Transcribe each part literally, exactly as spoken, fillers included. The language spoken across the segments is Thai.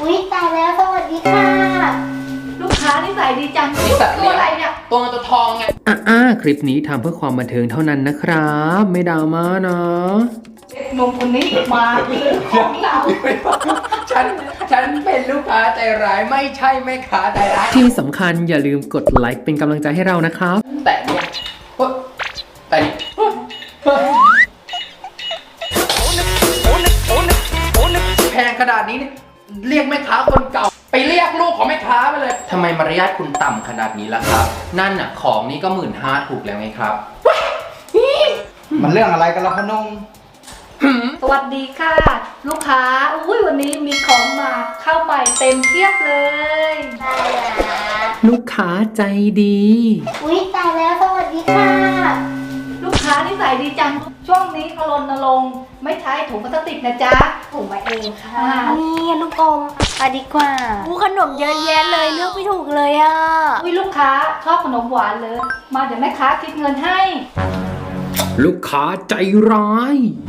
อุ๊ยตายแล้วสวัสดีค่ะลูกค้านี่ใส่ดีจังนี่สัตว์ตัเลี้วยงอะไรเนี่ยตัวเงินตัวทองไงอ่าคลิปนี้ทำเพื่อความบันเทิงเท่านั้นนะครับ ไม่ดราม่านะหนุ่มคนนี้มาซื้อของเราฉันฉันเป็นลูกค้าใจร้ายไม่ใช่แม่ค้าใจร้ายที่สำคัญอย่าลืมกดไลค์เป็นกำลังใจให้เรานะครับแต่เนี่ยเฮ้ยแต่เนี่ยเฮ้ยเฮ้ยแพงขนาดนี้เนี่ยเรียกแม่ค้าคนเก่าไปเรียกลูกของแม่ค้าไปเลยทำไมมารยาทคุณต่ำขนาดนี้ล่ะครับ นั่นน่ะของนี่ก็หมื่นห้าถูกแล้วไงครับมันเรื่องอะไรกันล่ะพนงสวัสดีค่ะ ลูกค้าอุ้ยวันนี้มีของมาเข้าใหม่เต็มเพียบเลยตายแล้วลูกค้าใจดีอุ๊ยตายแล้วสวัสดีค่ะลูกค้านี่ใส่ดีจังช่วงนี้เขารณรงค์ไม่ใช้ถุงพลาสติกนะจ๊ะถูกมาเองค่ะอ่านี่ลูกอมเอาดีกว่าอู้ขนมเยอะแยะเลยเลือกไม่ถูกเลยอ่ะอุ้ยลูกค้าชอบขนมหวานเลย มาเดี๋ยวแม่ค้าคิดเงินให้ลูกค้าใจร้าย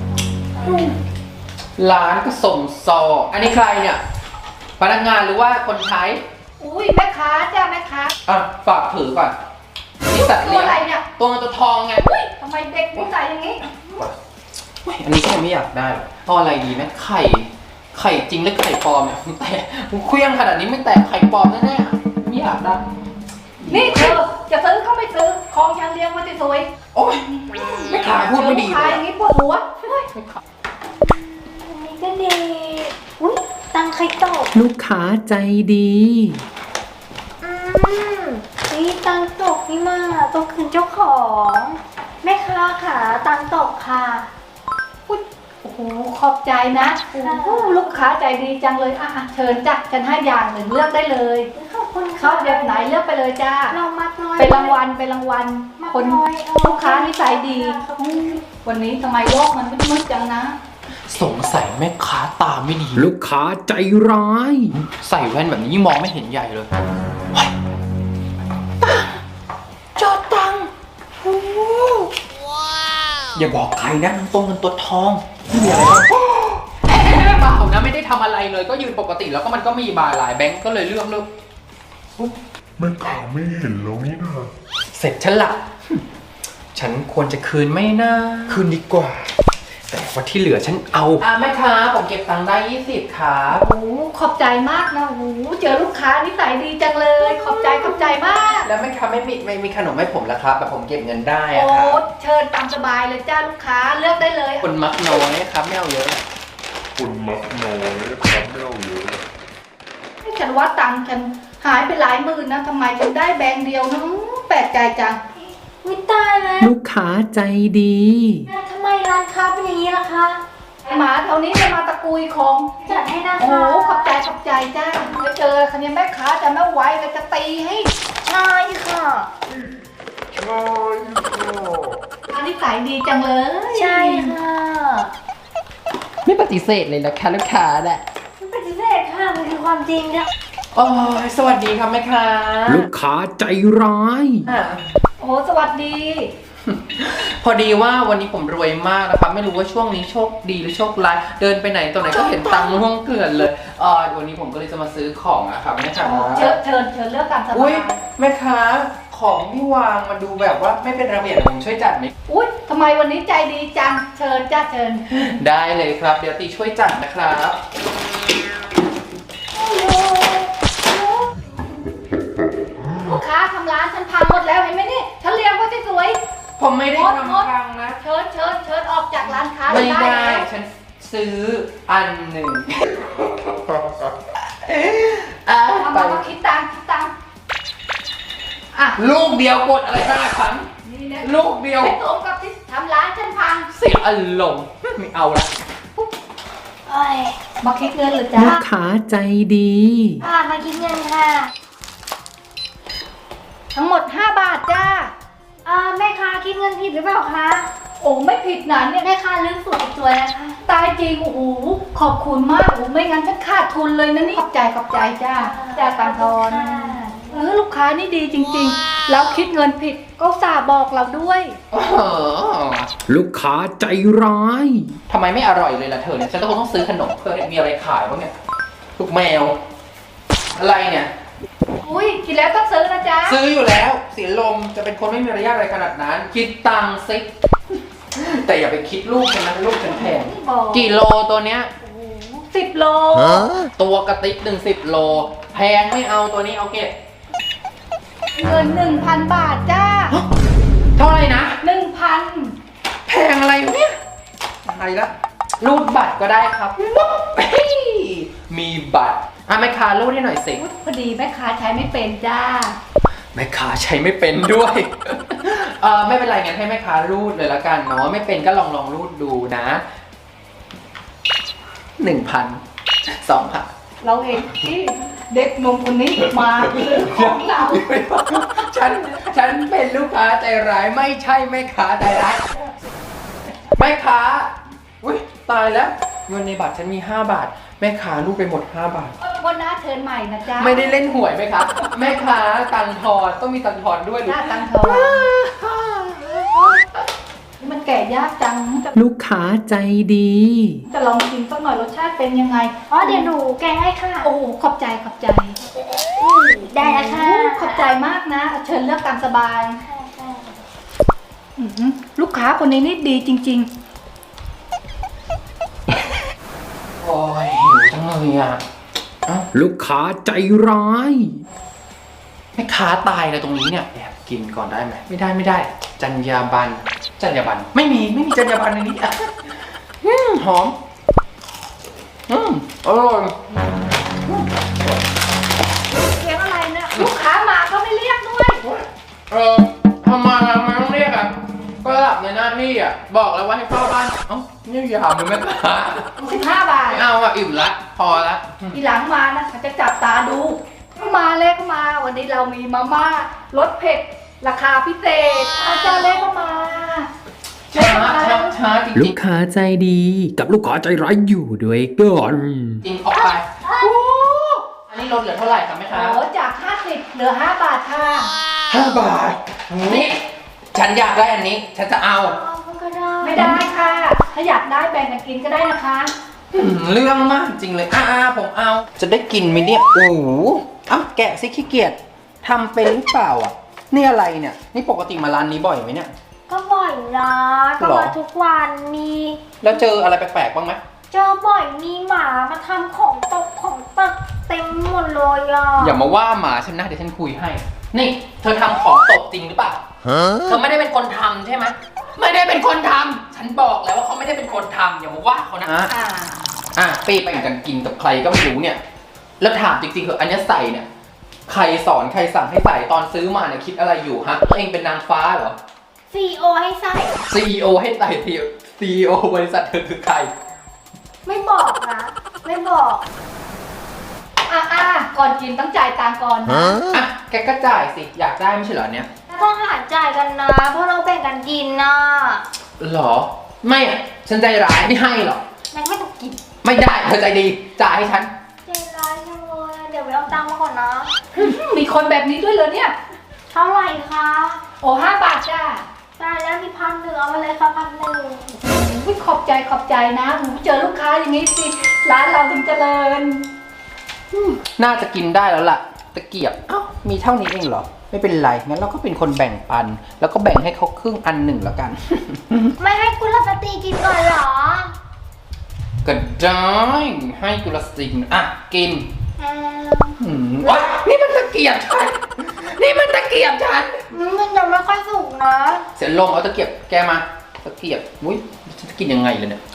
ร้านก็สมซออันนี้ใครเนี่ยพนักงานหรือว่าคนใช้อุ้ยแม่ค้าจ้าแม่ค้าอ่ะฝากถือก่อนนี่สัตว์ตัเลี้วยงอะไรเนี่ยตัวเงินตัวทองไงอุ้ยทำไมเด็กนิสัยอย่างนี้เฮ้ยอันนี้ก็ยังไม่อยากได้หรอกเอาอะไรดีไหมไข่ ไข่จริงหรือไข่ปลอมเนี่ยแต่เคลี้ยงขนาดนี้ไม่แตกไข่ปลอมแน่ๆไม่อยากได้นี่เธอจะซื้อก็ไม่ซื้อของฉันเลี้ยงไว้สวยโอ๊ยไม่ขายพูดไม่ดีลูกค้าเลยอย่างนี้ปวดหัวเฮ้ยไม่ขายอันนี้ก็ดีอุ๊ยตังใครตกลูกค้าใจดีอืมนี่ตังตกนี่มาต้องคืนเจ้าของแม่ค้าค่ะตังตกค่ะอุ๊ยโอ้โหขอบใจนะโอ้โหลูกค้าใจดีจังเลยอ่ะอ่ะเชิญจ้ะฉันให้อย่างหนึ่งเลือกได้เลยขอบคุณชค่ะอบแบบไหนเลือกไปเลยจ้าเรามัดน้อยเป็นรางวัลเป็นรางวัลมัดคนน้อยเอลูกค้านิสัยดีขอบคุณค่ะวันนี้ทำไมโลกมันมืดๆจังนะสงสัยแม่ค้าตาไม่ดีลูกค้าใจร้ายใส่แว่นแบบนี้ยิ่งมองไม่เห็นใหญ่เลยเฮ้ยจอดตังค์โอ้อย่าบอกใครนะตัวเงินตัวทองไม่มีอะไรหรอกเอ๊ะเปล่านะไม่ได้ทำอะไรเลยก็ยืนปกติแล้วก็มันก็มีบาร์หลายแบงก์ก็เลยเลือกเลือกแม่ค้าไม่เห็นแล้วนี่นะเสร็จฉันละฉันควรจะคืนไหมนะคืนดีกว่า แต่ว่าที่เหลือฉันเอาอ่ะแม่ค้าผมเก็บตังค์ได้ยี่สิบครับโอ้โหขอบใจมากนะโอ้โหเจอลูกค้านิสัยดีจังเลย ขอบใจขอบใจมากแล้วแม่ค้าไม่มีไม่มีขนมให้ผมแล้วครับแบบผมเก็บเงินได้อะโอ้ครับเชิญตามสบายเลยจ้าลูกค้าเลือกได้เลยคนมักน้อยครับไม่เอาเยอะคนมักน้อยครับไม่เอาเยอะฉันว่าตังค์ฉันหายไปหลายหมื่นนะทำไมฉันได้แบงค์เดียวนะแปลกใจจังอุ๊ยตายแล้วลูกค้าใจดีทำไมร้านค้าเป็นอย่างนี้ล่ะคะหมาแถวนี้จะมาตะกุยของจัดให้นะโอ้คะโหขอบใจขอบใจจ้าไปเจอคันนี้แม่ค้าจะไม่ไหวเลยจะตีให้ใช่ค่ะใช่ค่ะอันนี้ขายดีจังเลยใช่ค่ะไม่ปฏิเสธเลยนะคะลูกค้าแหละไม่ปฏิเสธค่ะมันคือความจริงค่ะโอ้ยสวัสดีครับแม่ค้าลูกค้าใจร้ายอ่ะโอ้โหสวัสดีพอดีว่าวันนี้ผมรวยมากนะครับ ไม่รู้ว่าช่วงนี้โชคดีหรือโชคร้ายเดินไปไหนตัวไหนก็เห็นตังค์ม่วงเกลื่อนเลยเออวันนี้ผมก็เลยจะมาซื้อของอะครับแม่ค้าเชิญเชิญเชิญเลือกตามสอุ้บาย ยแม่ค้าของที่วางมันดูแบบว่าไม่เป็นระเบียบผมช่วยจัดไหมอุ้ยทำไมวันนี้ใจดีจัง เชิญจ้าเชิญได้เลยครับเดี๋ยวตีช่วยจัดนะครับลูกค้าทำร้านฉันพังหมดแล้วเห็นไหมนี่ฉันเลี้ยงไว้สวยผมไม่ได้งดงดทำพังนะๆเชิญเชิญเชิญออกจากร้านค้าไม่ได้ได้แล้วฉันซื้ออันหนึ่งอ่ะเอาไปมามาคิดตังค์คิดตังค์อ่ะลูกเดียวกดอะไรบ้างครับนี่นะลูกเดียวไม่สมกับที่ทำร้านฉันพังเสียอารมณ์ไม่เอาละโอ้ยมาคิดเงินเหรือจ้าลูกค้าใจดีอ่ามาคิดเงินค่ะทั้งหมดห้าบาทจ้าอ่าแม่ค้าคิดเงินผิดหรือเปล่าคะโอ้ไม่ผิดนะเนี่ยแม่ค้าลืมสูตรอีกตัวนะคะตายจริงโอ้โหขอบคุณมากโอ้โหไม่งั้นฉันขาดทุนเลยนะนี่ขอบใจขอบใจจ้าจ้าตังทอนค่ะเออลูกค้านี่ดีจริงๆ แล้วคิดเงินผิดก็อุตสาห์บอกเราด้วยโอ้โหลูกค้าใจร้ายทำไมไม่อร่อยเลยล่ะเธอเนี่ยฉันต้องต้องซื้อขนมเพื่อมีอะไรขายบ้างเนี่ยลูกแมว อะไรเนี่ยอุ้ยกินแล้วต้องซื้อนะจ๊ะซื้ออยู่แล้วเสียลมจะเป็นคนไม่มีมารยาทอะไรขนาดนั้น คิดตังค์ซิแต่อย่าไปคิดลูกฉันนะลูกฉันแพงบอกกี่โลตัวเนี้ยสิบโลตัวกระติกหนึ่งสิบโล แพงไม่เอาตัวนี้เอาเก็บเงินหนึ่งพันบาทจ้าเท่าไหร่นะหนึ่งพันแพงอะไรเนี่ยอะไรละรูดบัตรก็ได้ครับปุ๊บเฮ้ยมีบัตรอ่ะแม่ค้ารูดให้หน่อยสิพอดีแม่ค้าใช้ไม่เป็นจ้าแม่ค้าใช้ไม่เป็นด้วย เออไม่เป็นไรงั้นให้แม่ค้ารูดเลยละกันเนาะไม่เป็นก็ลองลองรูดดูนะหนึ่งพันสองพันเราเห็นที่เด็กหนุ่มคนนี้มาซื้อของเราฉันฉันเป็นลูกค้าใจร้ายไม่ใช่แม่ค้าใจร้ายแม่ค้าอุ้ยตายแล้วเงินในบัตรฉันมีห้าบาทแม่ค้ารูดไปหมดห้าบาทวันหน้าเทิร์นใหม่นะจ๊ะไม่ได้เล่นหวยไหมครับแม่ค้าตังค์ทอนต้องมีตังค์ทอนด้วยหน้าตังทองมันแก่ยากจังจะลูกค้าใจดีจะลองกินสักหน่อยรสชาติเป็นยังไงอ๋อเดี๋ยวหนูแกะให้ค่ะโอ้โหขอบใจขอบใจได้แล้วค่ะโอ้ขอบใจมากนะ เชิญเลือกตามสบายอื้อหือลูกค้าคนนี้นี่ดีจริงโอ้ยหิวจังเลยอ่ะเอ้าลูกค้าใจร้ายแม่ค้าตายเลยตรงนี้เนี่ยแอบกินก่อนได้ไหมไม่ได้ไม่ได้ จรรยาบรรณจรรยาบรรณไม่มีไม่มีจรรยาบรรณในนี้อ่ะอืมหอมอืมอร่อยๆเสียงอะไรเนี่ยลูกค้ามาก็ไม่เรียกด้วยเออทำไมทำไมต้องเรียกอ่ะก็หลับในหน้าที่อ่ะบอกแล้วว่าให้เฝ้าบ้านเอ้านี่ยามเลยแม่ค้าสิบห้าบาทไม่เอาอ่ะอิ่มละพอละทีหลังมานะเขาจะจับตาดูเข้ามาเล็กเข้ามา วันนี้เรามีมาม่ารสเผ็ดราคาพิเศษอาจารย์เล็กเข้ามาช้าช้าช้าจริงลูกค้าใจดี กับลูกค้าใจร้ายอยู่ด้วยกันๆจริงออกไปโอ้อันนี้ลดเหลือเท่าไหร่ครับแม่ค้าโอ้จากห้าสิบเหลือห้าบาทค่ะห้าบาทนี่ฉันอยากได้อันนี้ ฉันจะเอาก็ได้ไม่ได้ค่ะ ถ้าอยากได้แบ่งกันกินก็ได้นะคะอืมเรื่องมากจริงเลยอ่าผมเอา จะได้กินไหมเนี่ย โอ้โหอ้าวแกะสิขี้เกียจทำเป็นหรือเปล่าอ่ะ นี่อะไรเนี่ย นี่ปกติมาร้านนี้บ่อยไหมเนี่ยก็บ่อยนะก็หรอมาทุกวันมีแล้วเจออะไรแปลกๆบ้างไหมเจอบ่อยมีหมามาทำของตกของตกเต็มหมดเลยอ่ะอย่ามาว่าหมาฉันนะเดี๋ยวฉันคุยให้ นี่ เธอทำของตกจริงหรือเปล่า เธอไม่ได้เป็นคนทำใช่ไหมไม่ได้เป็นคนทำฉันบอกแล้วว่าเขาไม่ได้เป็นคนทำอย่ามาว่าเขานะอ่าอ่ะเป้ไปกันกินกับใครก็ไม่รู้เนี่ย แล้วถามจริงๆเหอะอันเนี้ยใส่เนี่ย ใครสอนใครสั่งให้ใส่ตอนซื้อมาเนี่ยคิดอะไรอยู่ฮะตัวเองเป็นนางฟ้าเหรอซีโอให้ใส่ซี อี โอ ให้ใส่ที ซี อี โอ บริษัทเธอคือใครไม่บอกนะ ไม่บอกอ่าอ่าก่อนกินต้องจ่ายตังค์ก่อนนะอ่ะ แกก็จ่ายสิ อยากได้ไม่ใช่เหรอเนี่ยต้องหารจ่ายกันนะ เพราะเราแบ่งกันกินนะหรอ ไม่อ่ะ ฉันใจร้ายไม่ให้หรอกงั้นไม่ต้องกินไม่ได้เธอใจดี จ่ายให้ฉันใจร้ายจังเลยอะเดี๋ยวไปเอาตังค์มาก่อนนะมีคนแบบนี้ด้วยเหรอเนี่ยเท่าไหร่คะโอ้ห้าบาทจ้าได้แล้วมีพันหนึ่งเอามาเลยค่ะพันหนึ่งอุ๊ยขอบใจขอบใจนะหูเจอลูกค้าอย่างนี้สิร้านเราถึงเจริญน่าจะกินได้แล้วล่ะ ตะเกียบ เอ้า มีเท่านี้เองเหรอ ไม่เป็นไร งั้นเราก็เป็นคนแบ่งปัน แล้วก็แบ่งให้เขาครึ่งอันหนึ่งแล้วกันไม่ให้กุลสตรีกินก่อนเหรอก็ได้ให้กุลสตรีกินอ่ะ กินอืมอืมโอ๊ยนี่มันตะเกียบฉัน นี่มันตะเกียบฉันมันยังไม่ค่อยสุกนะเสียลมเอาตะเกียบแกมา ตะเกียบ อุ้ยฉันจะกินยังไงเลยเนี่ย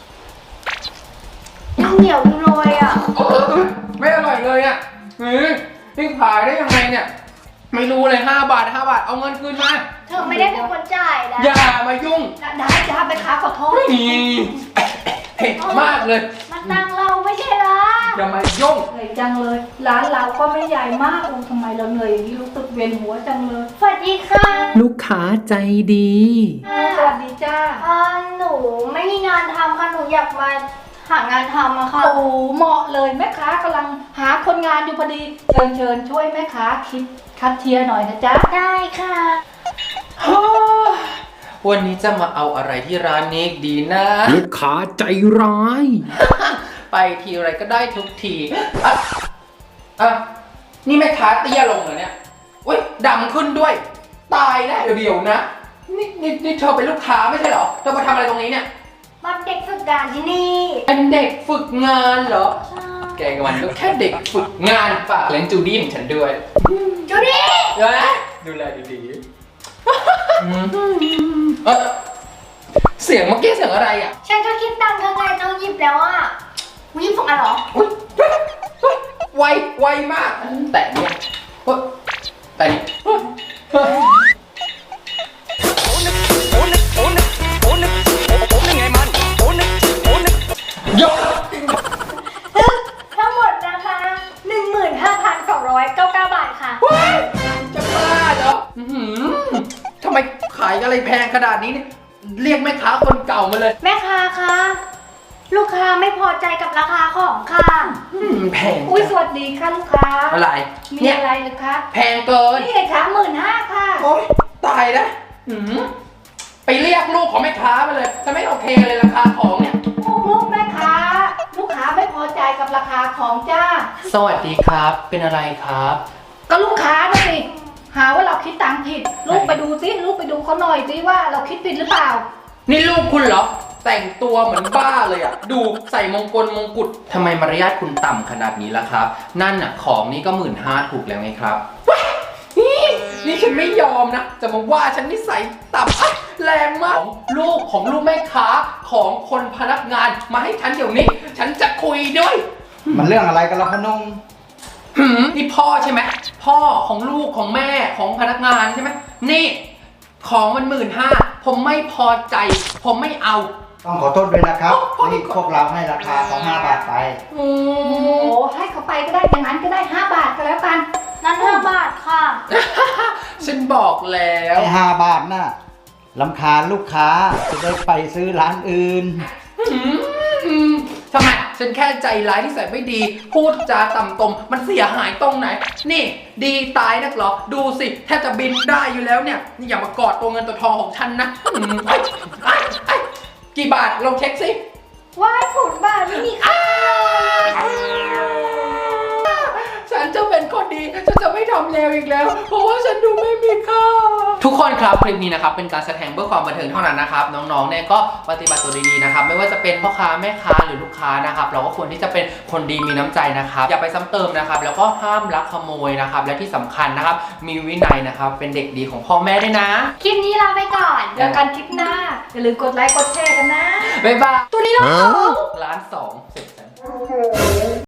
เหนียวอยู่เลยอ่ะไม่อร่อยเลยอ่ะเฮ้ยนี่ขายได้ยังไงเนี่ย ไม่รู้เลยห้าบาทห้าบาท เอาเงินคืนมาเธอไม่ได้เป็นคนจ่ายนะอย่ามายุ่งได้จ้าไปค้าขอโทษนี่เผ็ดมากเลยมันตังเราไม่ใช่เหรออย่ามายุ่งเหนื่อยจังเลย ร้านเราก็ไม่ใหญ่มากโอ้ทำไมเราเหนื่อยอย่างนี้รู้สึกเวียนหัวจังเลยสวัสดีค่ะลูกค้าใจดีสวัสดีจ้าเอ่อหนูไม่มีงานทำค่ะ หนูอยากมาหางานทำอะค่ะโอ้เหมาะเลยแม่ค้ากำลังหาคนงานอยู่พอดี เชิญเชิญช่วยแม่ค้าคิดคัดเทียร์หน่อยนะจ๊ะได้ค่ะวันนี้จะมาเอาอะไรที่ร้านนี้ดีนะลูกค้าใจร้ายไปทีไรก็ได้ทุกทีอ่ะอ่ะนี่แม่ค้าเตี้ยลงเหรอเนี่ยอุ้ยดำขึ้นด้วย ตายแล้วเดี๋ยวๆนะนี่นี่นี่เธอเป็นลูกค้าไม่ใช่เหรอเธอมาทำอะไรตรงนี้เนี่ยมาเด็กฝึกงานที่นี่เป็นเด็กฝึกงานเหรอใช่แกกับมันก็แค่เด็กฝึกงานฝากเลี้ยงจูดี้ของฉันด้วยจูดี้เอ้ยดูแลดีๆอืมเอ้ยเสียงเมื่อกี้เสียงอะไรอ่ะฉันก็คิดตังค์เธอไงเธอหยิบแล้วอ่ะหยิบส่งอันเหรออุ๊ยเฮ้ยเฮ้ยไวไวมากแต่เนี่ยเฮ้ยแต่นี่เฮ้ยเฮ้ยยกทั้งหมดนะคะ หนึ่งหมื่นห้าพันสองร้อยเก้าสิบเก้า บาทค่ะเฮ้ยจะบ้าเหรออื้อหือทำไมขายอะไรแพงขนาดนี้เนี่ยเรียกแม่ค้าคนเก่ามาเลยแม่ค้าคะลูกค้าไม่พอใจกับราคาของค่ะอืมแพงอุ้ยสจังวัสดีค่ะลูกค้าอะไรมีเนี่ยอะไรหรือคะแพงเกินนี่เลยค่ะหมื่นห้าค่ะโอ๊ยตายแล้วหืมไปเรียกลูกของแม่ค้ามาเลยฉันไม่โอเคเลยราคาของเนี่ยลูกแม่ค้า ลูกค้าไม่พอใจกับราคาของจ้าสวัสดีครับ เป็นอะไรครับก็ลูกค้านะสิ หาว่าเราคิดตังค์ผิด ลูกไปดูสิลูกไปดูเขาหน่อยสิว่าเราคิดผิดหรือเปล่านี่ลูกคุณเหรอ แต่งตัวเหมือนบ้าเลยอ่ะ ดูใส่มงกลมงกุฎทำไมมารยาทคุณต่ำขนาดนี้ล่ะครับ นั่นน่ะของนี่ก็หมื่นห้าถูกแล้วไงครับว้ายนี่นี่ฉันไม่ยอมนะ จะมาว่าฉันนิสัยต่ำอ่ะแรงมากของลูกของลูกแม่ค้าของคนพนักงานมาให้ฉันเดี๋ยวนี้ ฉันจะคุยด้วยมันเรื่องอะไรกันล่ะพนงหืมนี่พ่อใช่ไหมพ่อของลูกของแม่ของพนักงานใช่ไหมนี่ ของมันหมื่นห้าผมไม่พอใจ ผมไม่เอาต้องขอโทษด้วยนะครับนี่พวกเราให้ราคาของห้าบาทไปโอ้ให้เขาไปก็ได้อย่างนั้นก็ได้ห้าบาทก็แล้วกันนั้นห้าบาทค่ะฉันบอกแล้วไอ้ห้าบาทน่ะลำคาญลูกค้าจะได้ไปซื้อร้านอื่นอืมทำไมฉันแค่ใจร้ายที่ใส่ไม่ดี พูดจาต่ำตมมันเสียหายตรงไหน นี่ ดีตายนักเหรอ ดูสิแทบจะบินได้อยู่แล้วเนี่ยนี่อย่ามากอดตัวเงินตัวทองของฉันนะอืมไอ้ไอ้ไอ้กี่บาทลองเช็คสิว่าศูนย์บาทไม่มีค่าฉันจะเป็นคนดี ฉันจะไม่ทำเลวอีกแล้ว เพราะว่าฉันดูไม่มีค่า ทุกคนครับคลิปนี้นะครับเป็นการแสดงเพื่อความบันเทิงเท่านั้นนะครับ น้องๆเนี่ยก็ปฏิบัติตัวดีๆนะครับ ไม่ว่าจะเป็นพ่อค้าแม่ค้าหรือลูกค้านะครับ เราก็ควรที่จะเป็นคนดีมีน้ำใจนะครับ อย่าไปซ้ำเติมนะครับ แล้วก็ห้ามลักขโมยนะครับ และที่สำคัญนะครับ มีวินัยนะครับ เป็นเด็กดีของพ่อแม่ด้วยนะคลิปนี้ลาไปก่อนเจอกันคลิปหน้า อย่าลืมกดไลค์กดแชร์กันนะบ๊ายบายตัวนี้เราล้านสองเสร็จแล้ว